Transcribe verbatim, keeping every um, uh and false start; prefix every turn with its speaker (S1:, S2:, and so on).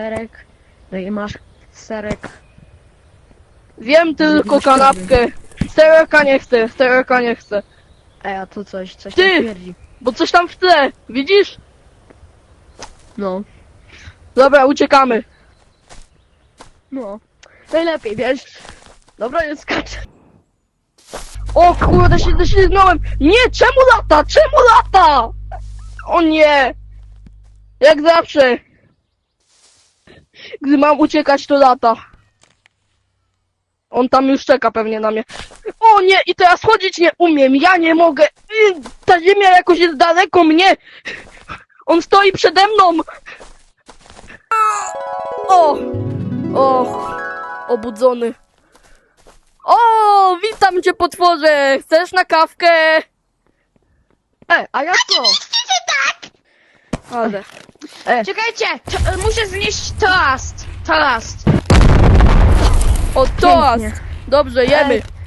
S1: serek, no i masz serek.
S2: Wiem tylko
S1: Zrobisz
S2: kanapkę. Stereka nie chcę, stereka nie chcę.
S1: Ej, a tu coś, coś
S2: Ty!
S1: tam twierdzi.
S2: Bo coś tam w tle, widzisz?
S1: No,
S2: Dobra, uciekamy.
S1: no. Najlepiej, wiesz. Dobra, nie skaczę.
S2: O kurde, się ześlizgnąłem. Nie, czemu lata? Czemu lata? O nie. Jak zawsze. Gdy mam uciekać, to lata. On tam już czeka pewnie na mnie. O nie, i teraz chodzić nie umiem, ja nie mogę. Y, Ta ziemia jakoś jest daleko mnie. On stoi przede mną. O, o, obudzony. O, witam cię, potworze. Chcesz na kawkę?
S1: E, a jak to?
S2: Ale.
S1: E,
S3: Czekajcie, to, muszę znieść toast. Toast.
S2: O, toast.
S1: Pięknie.
S2: Dobrze, jemy.
S1: Ej,